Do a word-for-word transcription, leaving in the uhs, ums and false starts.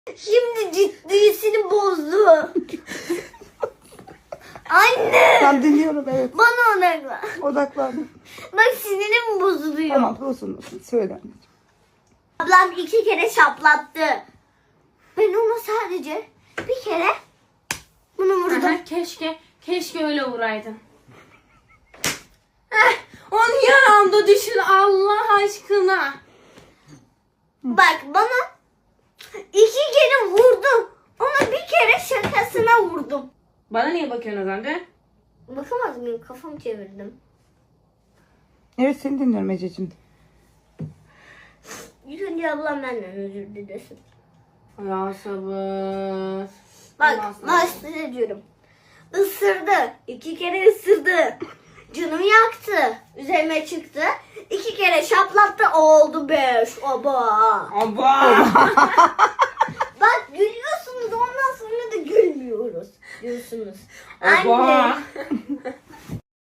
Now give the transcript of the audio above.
Şimdi ciddiyesini bozdu. Anne. Ben dinliyorum, evet. Bana odaklan. Odaklandım. Bak sinirim bozuluyor. Tamam, olsun olsun. Söyle anneciğim. Ablam iki kere şaplattı. Ben ona sadece bir kere bunu vurdum. Aha, keşke, keşke öyle vuraydın. Heh, onu yanımda düşün Allah aşkına. Bak bana iki kere vurdum. Ona bir kere şakasına vurdum. Bana niye bakıyorsun o zaman de? Bakamaz mıyım? Kafamı çevirdim. Evet, seni dinliyorum Ececiğim. İlk önce ablam benden özür dilesin. Ya sabır. Bak Allah sabır. başta diyorum. Isırdı. İki kere ısırdı. Canımı yaktı. Üzerime çıktı. İki kere şaplattı. Oldu beş. Oba. Aba. Bak gülüyorsunuz. Ondan sonra da gülmüyoruz. Diyorsunuz. Oba. Anne.